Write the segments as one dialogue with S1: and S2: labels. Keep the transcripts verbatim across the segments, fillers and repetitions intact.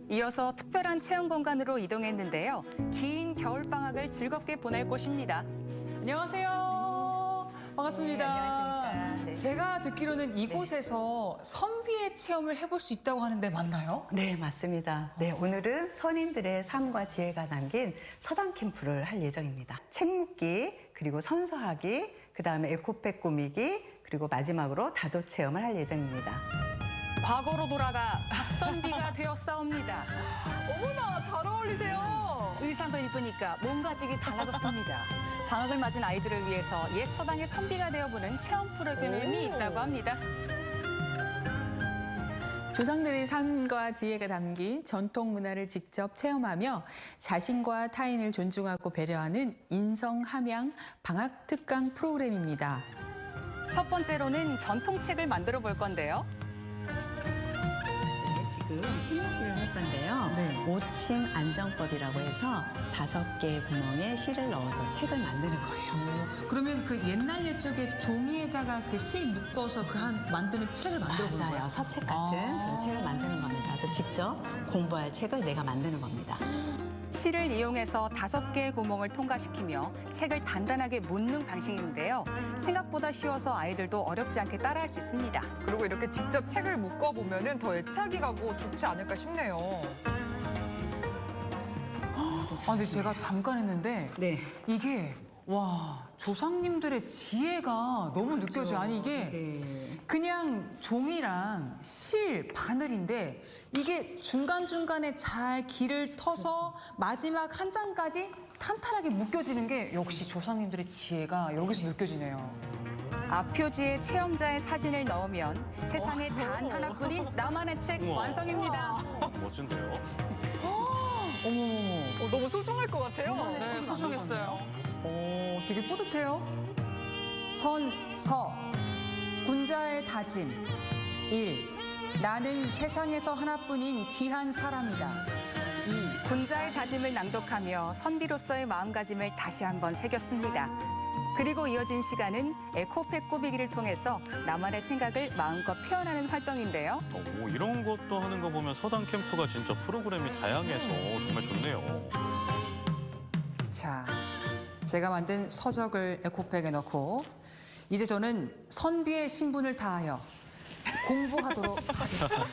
S1: 이어서 특별한 체험 공간으로 이동했는데요. 긴 겨울방학을 즐겁게 보낼 곳입니다.
S2: 안녕하세요. 반갑습니다.
S3: 네, 안녕하십니까. 네.
S2: 제가 듣기로는 이곳에서 선비의 체험을 해볼 수 있다고 하는데 맞나요?
S3: 네, 맞습니다. 네, 오늘은 선인들의 삶과 지혜가 담긴 서당 캠프를 할 예정입니다. 책 묶기, 그리고 선서하기, 그 다음에 에코백 꾸미기, 그리고 마지막으로 다도 체험을 할 예정입니다.
S1: 과거로 돌아가 박선비가 되었사옵니다.
S2: 어머나, 잘 어울리세요.
S1: 의상을 입으니까 몸가짐이 달라졌습니다. 방학을 맞은 아이들을 위해서 옛 서당의 선비가 되어보는 체험 프로그램이
S2: 오.
S1: 있다고 합니다.
S4: 조상들의 삶과 지혜가 담긴 전통 문화를 직접 체험하며 자신과 타인을 존중하고 배려하는 인성 함양 방학 특강 프로그램입니다.
S1: 첫 번째로는 전통책을 만들어 볼 건데요.
S3: 네, 지금 책 묶기를 할 건데요.
S4: 네.
S3: 오침 안정법이라고 해서 다섯 개의 구멍에 실을 넣어서 책을 만드는 거예요.
S4: 그러면 그 옛날 옛적에 종이에다가 그 실 묶어서 그 한 만드는 책을 만들어 보는
S3: 맞아요.
S4: 거예요?
S3: 서책 같은
S4: 아.
S3: 그런 책을 만드는 겁니다. 그래서 직접 공부할 책을 내가 만드는 겁니다.
S1: 실을 이용해서 다섯 개의 구멍을 통과시키며 책을 단단하게 묻는 방식인데요. 생각보다 쉬워서 아이들도 어렵지 않게 따라할 수 있습니다.
S2: 그리고 이렇게 직접 책을 묶어보면 더 애착이 가고 좋지 않을까 싶네요. 아, 근데 제가 잠깐 했는데
S3: 네.
S2: 이게 와 조상님들의 지혜가 너무 느껴져요. 아니 이게
S3: 네.
S2: 그냥 종이랑 실, 바늘인데 이게 중간중간에 잘 길을 터서 마지막 한 장까지 탄탄하게 묶여지는 게 역시 조상님들의 지혜가 여기서 느껴지네요.
S1: 앞표지에 체험자의 사진을 넣으면 세상에 단 하나뿐인 나만의 책
S5: 우와.
S1: 완성입니다.
S5: 멋진데요?
S2: 어머, 너무 소중할 것 같아요.
S1: 저만의
S2: 네,
S1: 책이
S2: 소중했어요. 오, 되게 뿌듯해요. 선, 서, 군자의 다짐. 일. 나는 세상에서 하나뿐인 귀한 사람이다. 이.
S1: 군자의 다짐을 낭독하며 선비로서의 마음가짐을 다시 한번 새겼습니다. 그리고 이어진 시간은 에코백 꾸미기를 통해서 나만의 생각을 마음껏 표현하는 활동인데요.
S5: 어, 뭐 이런 것도 하는 거 보면 서당 캠프가 진짜 프로그램이 다양해서 정말 좋네요.
S2: 자, 제가 만든 서적을 에코백에 넣고 이제 저는 선비의 신분을 다하여 공부하도록 하겠습니다.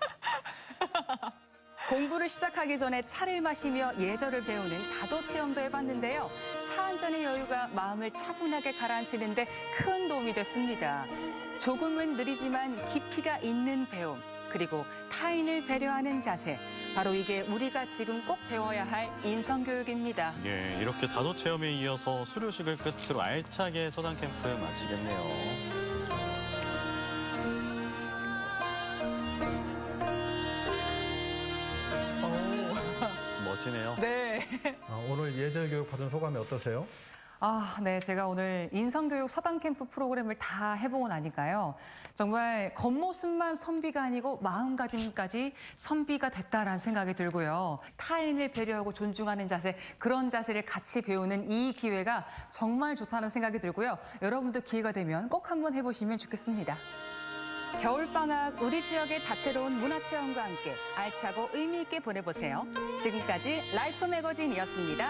S1: 공부를 시작하기 전에 차를 마시며 예절을 배우는 다도 체험도 해봤는데요. 차 한 잔의 여유가 마음을 차분하게 가라앉히는데 큰 도움이 됐습니다. 조금은 느리지만 깊이가 있는 배움, 그리고 타인을 배려하는 자세. 바로 이게 우리가 지금 꼭 배워야 할 인성교육입니다.
S5: 예, 이렇게 다도 체험에 이어서 수료식을 끝으로 알차게 서당 캠프 마치겠네요. 멋지네요.
S2: 네.
S6: 아, 오늘 예절 교육 받은 소감이 어떠세요?
S2: 아, 네. 제가 오늘 인성교육 서당 캠프 프로그램을 다 해보고 나니까요. 정말 겉모습만 선비가 아니고 마음가짐까지 선비가 됐다라는 생각이 들고요. 타인을 배려하고 존중하는 자세, 그런 자세를 같이 배우는 이 기회가 정말 좋다는 생각이 들고요. 여러분도 기회가 되면 꼭 한번 해보시면 좋겠습니다.
S1: 겨울방학 우리 지역의 다채로운 문화체험과 함께 알차고 의미 있게 보내보세요. 지금까지 라이프 매거진이었습니다.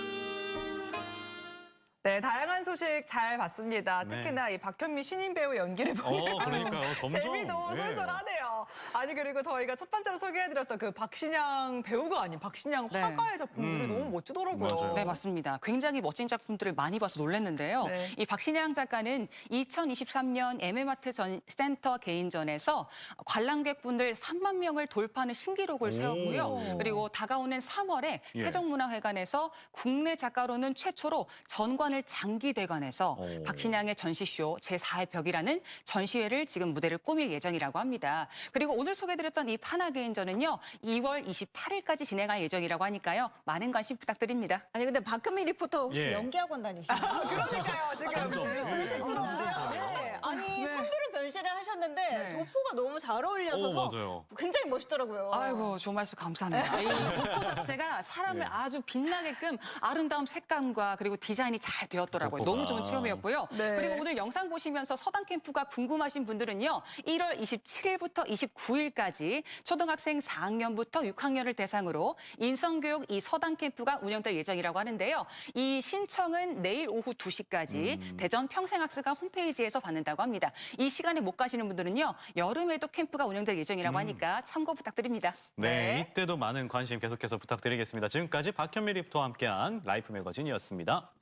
S7: 네, 다양한 소식 잘 봤습니다.
S5: 네.
S7: 특히나 이 박현미 신인 배우 연기를
S5: 어,
S7: 보니까
S5: 그러니까요. 점점.
S7: 재미도
S5: 네.
S7: 쏠쏠하네요. 아니 그리고 저희가 첫 번째로 소개해드렸던 그 박신양 배우가 아닌 박신양
S1: 네.
S7: 화가의 작품들이
S5: 음.
S7: 너무 멋지더라고요.
S5: 맞아요.
S1: 네, 맞습니다. 굉장히 멋진 작품들을 많이 봐서 놀랐는데요.
S7: 네.
S1: 이 박신양 작가는 이천이십삼 년 엠엠아트 전 센터 개인전에서 관람객분들 삼만 명을 돌파하는 신기록을 세웠고요. 그리고 다가오는 삼월에
S5: 예.
S1: 세종문화회관에서 국내 작가로는 최초로 전관을 장기 대관해서
S5: 오.
S1: 박신양의 전시쇼 제사의 벽이라는 전시회를 지금 무대를 꾸밀 예정이라고 합니다. 그리고 오늘 소개드렸던 이 파나 개인전은요. 이월 이십팔일까지 진행할 예정이라고 하니까요. 많은 관심 부탁드립니다.
S8: 아니 근데 박현미 리포터 혹시
S5: 예.
S8: 연기학원 다니시나요?
S7: 그러니까요, 지금
S5: 점점. 예.
S7: 네.
S8: 진짜. 네. 아니 선비를 전시를 하셨는데
S1: 네.
S8: 도포가 너무 잘 어울려서
S5: 오, 맞아요.
S8: 굉장히 멋있더라고요.
S1: 아이고, 좋은 말씀 감사합니다. 이 도포 자체가 사람을
S5: 네.
S1: 아주 빛나게끔 아름다운 색감과 그리고 디자인이 잘 되었더라고요.
S5: 도포가.
S1: 너무 좋은 체험이었고요.
S7: 네.
S1: 그리고 오늘 영상 보시면서 서당 캠프가 궁금하신 분들은요. 일월 이십칠일부터 이십구일까지 초등학생 사 학년부터 육 학년을 대상으로 인성교육 이 서당 캠프가 운영될 예정이라고 하는데요. 이 신청은 내일 오후 두 시까지
S5: 음.
S1: 대전 평생학습관 홈페이지에서 받는다고 합니다. 이 시간에 못 가시는 분들은요. 여름에도 캠프가 운영될 예정이라고 하니까 참고 부탁드립니다.
S5: 네, 이때도 많은 관심 계속해서 부탁드리겠습니다. 지금까지 박현미 리포터와 함께한 라이프 매거진이었습니다.